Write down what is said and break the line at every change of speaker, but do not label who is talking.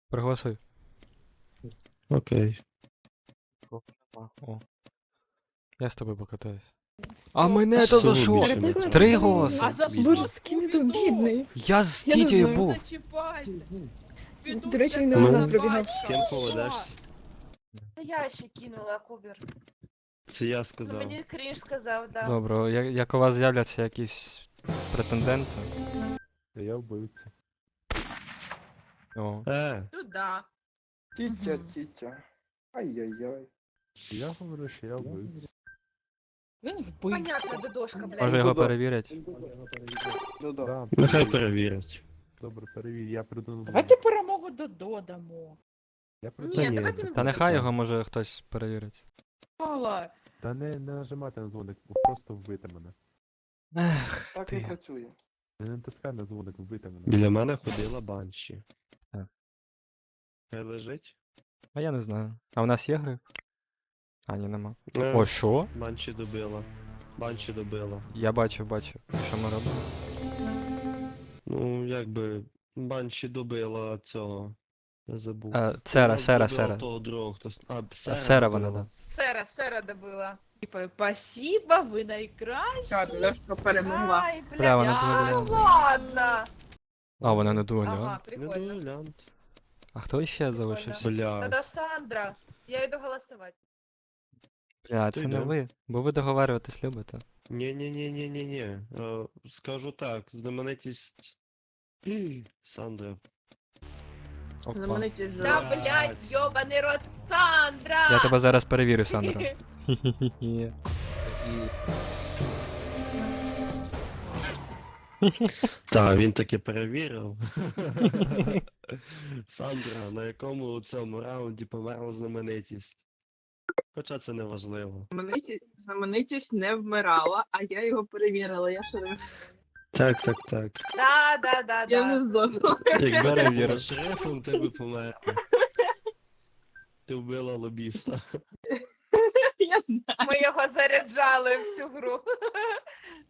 Проголосуй.
Окей.
О. Я з тобою покатаюсь. А мене то за що?
Більше не
3
треба.
голоси.
А за
Бідний.
що
Боже, з ким я тут бідний?
Я з
Я не
Тітєю
знаю.
був.
До речі, він не
Ну.
на нас пробігав.
З ким поведешся?
Я ще кинула Кубер.
Це я
Ну,
сказав.
мені крінж сказав, да.
Добре, як у вас з'являться якісь претенденти.
Я вбивця.
О.
Туда.
Тітя. Ай-яй-яй.
Я говорю, що я вбивця.
Він вбивця.
Понятно, додошка, блядь.
Може його перевірять?
Ну да.
Да,
Нехай перевірять.
добре, перевір, я придумав.
Давайте перемогу додамо.
Я
Ні,
придумав.
давайте не
Та
будемо.
нехай його може хтось перевірить.
Мала.
Та не нажимати на дзвоник, просто вбити мене.
Ех,
Так не
ти.
працює.
Не натискай на дзвоник, вбити мене.
Біля мене ходила банші.
Так.
Хай лежить.
А я не знаю. А у нас є гриб? А, ні, нема.
Е,
О, що?
Банші добила. Банші добила.
Я бачив. І що ми робимо?
Ну, якби банші добила цього. Я забув.
Сера.
Добила того другого, хто...
Сера вона,
добила.
да.
Сера добила.
Типа, спасибо, ви найкращі.
що перемогла.
Ай,
Бля,
блядь,
вона
ну
дуеля.
ладно.
А, вона не дуеля.
Ага,
Не
прикольно.
дуелянт.
А хто ще залишився?
Бля.
Тогда Сандра. Я йду голосувати.
Бля,
Ти
це не
йде.
ви. Бо ви договарюватись любите.
Ні-ні-ні-ні-ні-ні. Скажу так, знаменитість... Сандра.
Опа.
Да, блядь, йобаний рот Сандра!
Я тебе зараз перевірю, Сандра. Хі-хі-хі.
Так, він таки перевірив. Сандра, на якому у цьому раунді померла знаменитість. Хоча це не важливо.
Знаменитість не вмирала, а я його перевірила. Я що не
Так.
Да.
я не здохла.
Якби не була шерифом, ти би померла. Ти вбила лобіста.
Я знаю.
Ми його заряджали всю гру.